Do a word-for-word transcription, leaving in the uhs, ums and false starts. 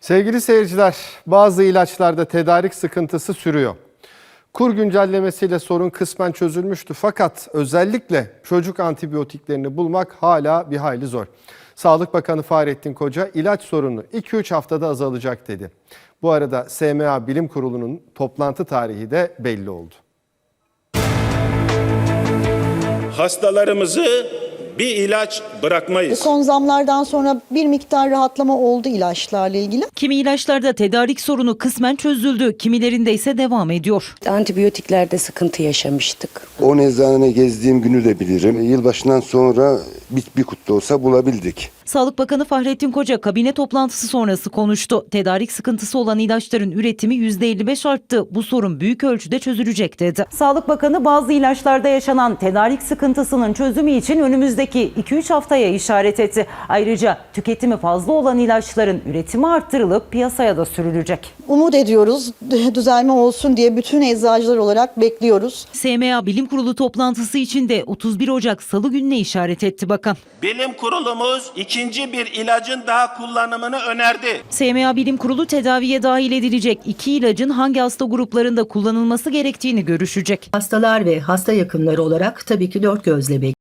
Sevgili seyirciler, bazı ilaçlarda tedarik sıkıntısı sürüyor. Kur güncellemesiyle sorun kısmen çözülmüştü fakat özellikle çocuk antibiyotiklerini bulmak hala bir hayli zor. Sağlık Bakanı Fahrettin Koca ilaç sorunu iki üç haftada azalacak dedi. Bu arada S M A Bilim Kurulu'nun toplantı tarihi de belli oldu. Hastalarımızı bir ilaç bırakmayız. Son zamlardan sonra bir miktar rahatlama oldu ilaçlarla ilgili. Kimi ilaçlarda tedarik sorunu kısmen çözüldü, kimilerinde ise devam ediyor. Antibiyotiklerde sıkıntı yaşamıştık. O eczane gezdiğim günü de bilirim. Yılbaşından sonra bir, bir kutu olsa bulabildik. Sağlık Bakanı Fahrettin Koca kabine toplantısı sonrası konuştu. Tedarik sıkıntısı olan ilaçların üretimi yüzde elli beş arttı. Bu sorun büyük ölçüde çözülecek dedi. Sağlık Bakanı bazı ilaçlarda yaşanan tedarik sıkıntısının çözümü için önümüzdeki iki üç haftaya işaret etti. Ayrıca tüketimi fazla olan ilaçların üretimi arttırılıp piyasaya da sürülecek. Umut ediyoruz düzelme olsun diye bütün eczacılar olarak bekliyoruz. S M A Bilim Kurulu toplantısı için de otuz bir Ocak Salı gününe işaret etti bakan. Bilim kurulumuz ikinci bir ilacın daha kullanımını önerdi. S M A Bilim Kurulu tedaviye dahil edilecek iki ilacın hangi hasta gruplarında kullanılması gerektiğini görüşecek. Hastalar ve hasta yakınları olarak tabii ki dört gözle bekliyoruz.